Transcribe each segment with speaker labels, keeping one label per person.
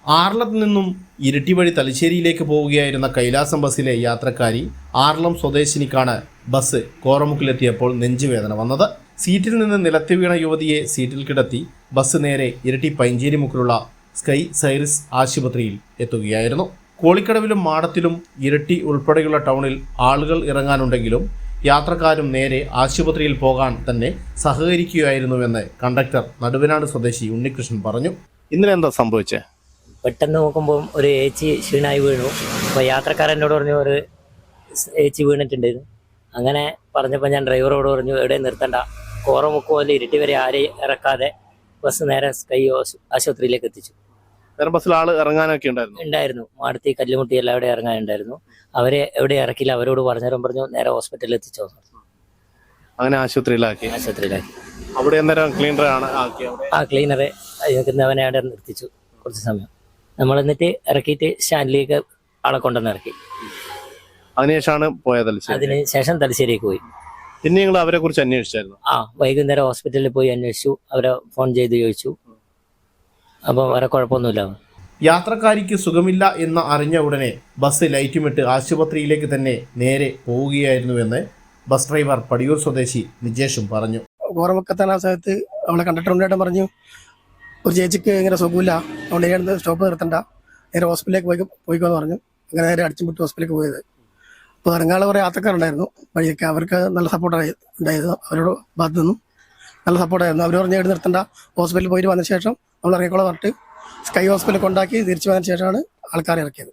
Speaker 1: ആർളത്ത് നിന്നും ഇരിട്ടി വഴി തലശ്ശേരിയിലേക്ക് പോവുകയായിരുന്ന കൈലാസം ബസ്സിലെ യാത്രക്കാരി ആർളം സ്വദേശിനിക്കാണ് ബസ് കോറമുക്കിലെത്തിയപ്പോൾ നെഞ്ചുവേദന വന്നത്. സീറ്റിൽ നിന്ന് നിലത്ത് വീണ യുവതിയെ സീറ്റിൽ കിടത്തി ബസ് നേരെ ഇരിട്ടി പൈഞ്ചേരിമുക്കിലുള്ള സ്കൈ സൈറിസ് ആശുപത്രിയിൽ എത്തുകയായിരുന്നു. കോളിക്കടവിലും മാടത്തിലും ഇരിട്ടി ഉൾപ്പെടെയുള്ള ടൗണിൽ ആളുകൾ ഇറങ്ങാനുണ്ടെങ്കിലും യാത്രക്കാരും നേരെ ആശുപത്രിയിൽ പോകാൻ തന്നെ സഹകരിക്കുകയായിരുന്നുവെന്ന് കണ്ടക്ടർ നടുവനാട് സ്വദേശി ഉണ്ണികൃഷ്ണൻ പറഞ്ഞു. ഇന്നലെ എന്താ സംഭവിച്ചേ?
Speaker 2: പെട്ടെന്ന് നോക്കുമ്പോൾ ഒരു ഏച്ചി ക്ഷീണായി വീണു. അപ്പോൾ യാത്രക്കാരനോട് പറഞ്ഞു ഒരു ഏച്ചി വീണിട്ടുണ്ടായിരുന്നു. അങ്ങനെ പറഞ്ഞപ്പോൾ ഞാൻ ഡ്രൈവറോട് പറഞ്ഞു എവിടെ നിർത്തണ്ട, കോറമുക്ക് പോലെ ഇരിട്ടി വരെ ആരെയും ഇറക്കാതെ ബസ് നേരെ സ്കൈ ആശുപത്രിയിലേക്ക് എത്തിച്ചു.
Speaker 1: വേറെ ബസ്സിൽ ആൾ ഇറങ്ങാനൊക്കെ
Speaker 2: ഉണ്ടായിരുന്നു. മാടത്തി കല്ലുമുട്ടി എല്ലാവിടെ ഇറങ്ങാനുണ്ടായിരുന്നു. അവരെ എവിടെ ഇറക്കില്ല, അവരോട് പറഞ്ഞു നേരെ ഹോസ്പിറ്റലിൽ എത്തിച്ചോ.
Speaker 1: അങ്ങനെ ആശുപത്രിയിലാക്കി. അവിടെ
Speaker 2: ക്ലീനറെ നിൽക്കുന്നവനെ അവിടെ നിർത്തിച്ചു കുറച്ച് സമയം. നമ്മൾ എന്നിട്ട് ഇറക്കിയിട്ട് സ്റ്റാൻഡിലേക്ക് ആളെ കൊണ്ടുവന്ന് ഇറക്കി.
Speaker 1: അതിനുശേഷമാണ് പോയത്.
Speaker 2: അതിനുശേഷം തലശ്ശേരിക്ക് പോയി.
Speaker 1: പിന്നെ നിങ്ങൾ അവരെ കുറിച്ച് അന്വേഷിച്ചായിരുന്നു?
Speaker 2: വൈകുന്നേരം ഹോസ്പിറ്റലിൽ പോയി അന്വേഷിച്ചു. അവരെ ഫോൺ ചെയ്ത് ചോദിച്ചു. അപ്പോൾ വേറെ കുഴപ്പമൊന്നുമില്ല.
Speaker 1: യാത്രക്കാരിക്ക് സുഖമില്ല എന്ന് അറിഞ്ഞ ഉടനെ ബസ് ലൈറ്റുമിട്ട് ആശുപത്രിയിലേക്ക് തന്നെ നേരെ പോവുകയായിരുന്നുവെന്ന് ബസ് ഡ്രൈവർ പടിയൂർ സ്വദേശി നിജേഷും പറഞ്ഞു.
Speaker 3: കോറമുക്കെത്താൻ ആ സമയത്ത് അവളെ കണ്ടക്ടറുണ്ടായിട്ട് പറഞ്ഞു ഒരു ചേച്ചിക്ക് ഇങ്ങനെ സുഖമില്ല, അതുകൊണ്ട് ഇങ്ങനെ സ്റ്റോപ്പ് നിർത്തണ്ട, നേരെ ഹോസ്പിറ്റലിലേക്ക് പോയിക്കോന്ന് പറഞ്ഞു. അങ്ങനെ നേരെ അടിച്ചുമുട്ടി ഹോസ്പിറ്റലിലേക്ക് പോയത്. അപ്പോൾ ഇറങ്ങാനുള്ള കുറേ യാത്രക്കാരുണ്ടായിരുന്നു വഴിയൊക്കെ. അവർക്ക് നല്ല സപ്പോർട്ടായി ഉണ്ടായിരുന്നു. അവരോട് ഭാഗത്തു നിന്നും നല്ല സപ്പോർട്ടായിരുന്നു. അവർ പറഞ്ഞ് എടുത്ത് നിർത്തണ്ട, ഹോസ്പിറ്റലിൽ പോയിട്ട് വന്ന ശേഷം നമ്മൾ ഇറങ്ങിക്കോളാം പറഞ്ഞിട്ട് സ്കൈ ഹോസ്പിറ്റലിൽ കൊണ്ടാക്കി തിരിച്ചു വന്നതിന് ശേഷമാണ് ആൾക്കാരെ ഇറക്കിയത്.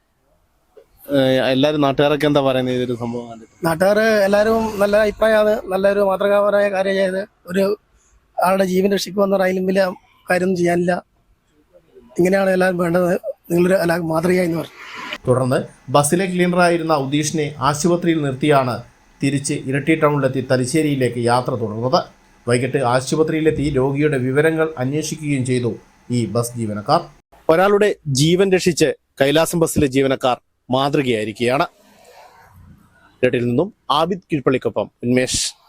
Speaker 1: എല്ലാവരും നാട്ടുകാരൊക്കെ എന്താ പറയുന്നത് ഇതൊരു സംഭവം?
Speaker 3: നാട്ടുകാർ എല്ലാവരും നല്ല അഭിപ്രായമാണ്. നല്ലൊരു മാതൃകാപരമായ കാര്യം ചെയ്ത് ഒരു ആളുടെ ജീവൻ രക്ഷിക്കുമെന്ന അതിലും വലിയ കാര്യമൊന്നും ചെയ്യാനില്ല. ഇങ്ങനെയാണ് എല്ലാവരും വേണ്ടത്. നിങ്ങളൊരു മാതൃകയായി എന്ന് പറഞ്ഞു.
Speaker 1: തുടർന്ന് ബസ്സിലെ ക്ലീനറായിരുന്ന ഉദീഷിനെ ആശുപത്രിയിൽ നിർത്തിയാണ് തിരിച്ച് ഇരിട്ടി ടൗണിലെത്തി തലശ്ശേരിയിലേക്ക് യാത്ര തുടർന്നത്. വൈകിട്ട് ആശുപത്രിയിലെത്തി രോഗിയുടെ വിവരങ്ങൾ അന്വേഷിക്കുകയും ചെയ്തു ഈ ബസ് ജീവനക്കാർ. ഒരാളുടെ ജീവൻ രക്ഷിച്ച് കൈലാസം ബസ്സിലെ ജീവനക്കാർ മാതൃകയായിരിക്കുകയാണ്. ഇരിട്ടിയിൽ നിന്നും ആബിദ് കീഴ്പള്ളിക്കൊപ്പം ഉന്മേഷ്.